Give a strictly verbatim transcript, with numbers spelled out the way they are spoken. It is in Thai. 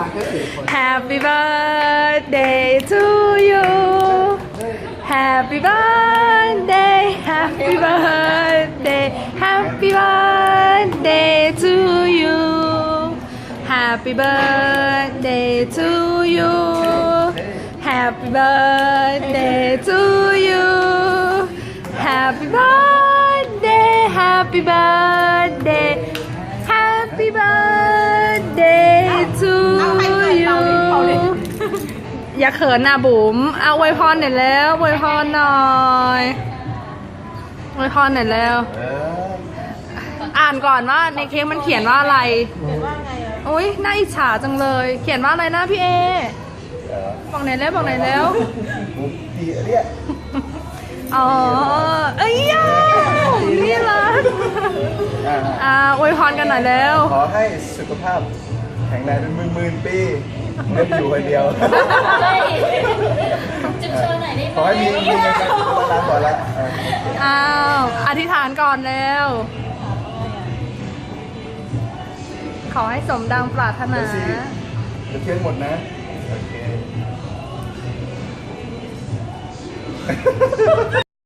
แค่สี่คน Happy birthday to you Happy birthday Happy birthday Happy birthday to you Happy birthday to you Happy birthday to you Happy birthday Happy birthday Happy birthday to you อย่าเขินนะบุ๋มเอาอวยพรหน่อยแล้วอวยพรหน่อยอวยพรหน่อยแล้วเอออ่านก่อนว่าในเค้กมันเขียนว่าอะไรโอ้ยน่าอิจฉาจังเลย เขียนว่าอะไรนะพี่เอเออบอกไหนอยแล้วบอกไหนอยแล้วมุกดีเนี่ยอ๋อ เอ้ยย่านี่ละอ่าอ่าอวยพรกันหน่อยแล้วขอให้สุขภาพแข็งแรงเป็นหมื่นหมื่นปีไม่ได้อยู่คนเดียวจุดโชว์หน่อยได้ไหมขอให้มีมีเงินกันตามก่อนละเอออ้าวอธิษฐานก่อนแล้ว ขอให้สมดังปรารถนาเดี๋ยวสิเดี๋ยวเทียนหมดนะ โอเค